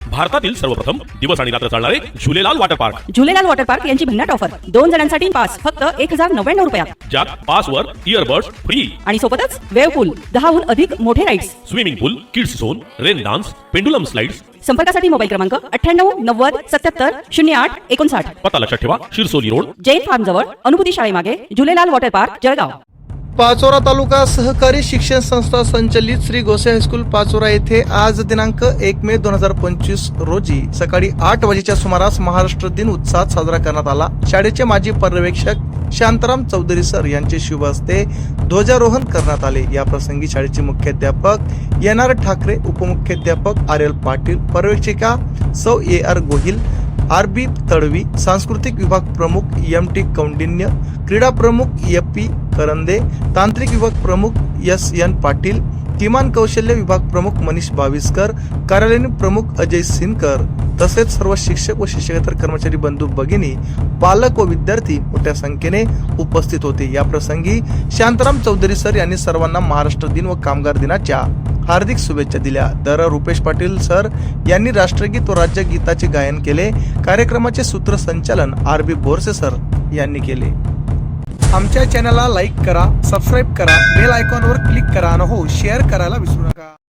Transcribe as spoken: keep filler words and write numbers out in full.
भारतातील सर्वप्रथम दिवस आणि रात्र चालणारे Jhulelal water park. Jhulelal water park यांची भन्नाट ऑफर. दोन जणांसाठी पास फक्त एक हजार नव्याण्णव रुपयात. ज्यात पासवर इयरबड्स फ्री आणि सोबतच वेव्ह पूल, दहाहून अधिक मोठे rides, swimming pool, kids zone, rain dance, pendulum slides. संपर्कासाठी मोबाईल क्रमांक अठ्ठ्याण्णव नव्वद सत्याहत्तर शून्य आठ एकोणसाठ. पत्ता लक्षात ठेवा, शिरसोली रोड, जैन फार्म जवळ, अनुभूती शाळेमागे, झुलेलाल वॉटर पार्क, जळगाव. पाचोरा तालुका सहकारी शिक्षण संस्था संचलित श्री गोसे हायस्कूल पाचोरा येथे आज दिनांक एक मे दोन हजार पंचवीस रोजी सकाळी आठ वाजेच्या सुमारास महाराष्ट्र दिन उत्साहात साजरा करण्यात आला. शाळेचे माजी पर्यवेक्षक शांताराम चौधरी सर यांचे शुभ हस्ते ध्वजारोहण करण्यात आले. या प्रसंगी शाळेचे मुख्याध्यापक एन आर ठाकरे, उपमुख्याध्यापक आर एल पाटील, पर्यवेक्षिका सौ A R Gohil, R B Tadvi, सांस्कृतिक विभाग प्रमुख एम टी कौंडिन्य, क्रीडा प्रमुख ए पी करंदे, तांत्रिक विभाग प्रमुख एस एन पाटील, किमान कौशल्य विभाग प्रमुख मनीष बाविस्कर, कार्यालयीन प्रमुख अजय सिनकर तसेच सर्व शिक्षक व शिक्षकेतर कर्मचारी बंधू भगिनी, पालक व विद्यार्थी मोठ्या संख्येने उपस्थित होते. या प्रसंगी शांताराम चौधरी सर यांनी सर्वांना महाराष्ट्र दिन व कामगार दिनाच्या हार्दिक शुभेच्छा दिल्या. तर रुपेश पाटील सर यांनी राष्ट्रगीत व राज्यगीताचे गायन केले. कार्यक्रमाचे सूत्रसंचालन आर बी बोरसे सर यांनी केले. आमच्या चॅनलला लाईक करा, सबस्क्राईब करा, बेल आयकॉनवर क्लिक करा आणि हो शेअर करायला विसरू नका.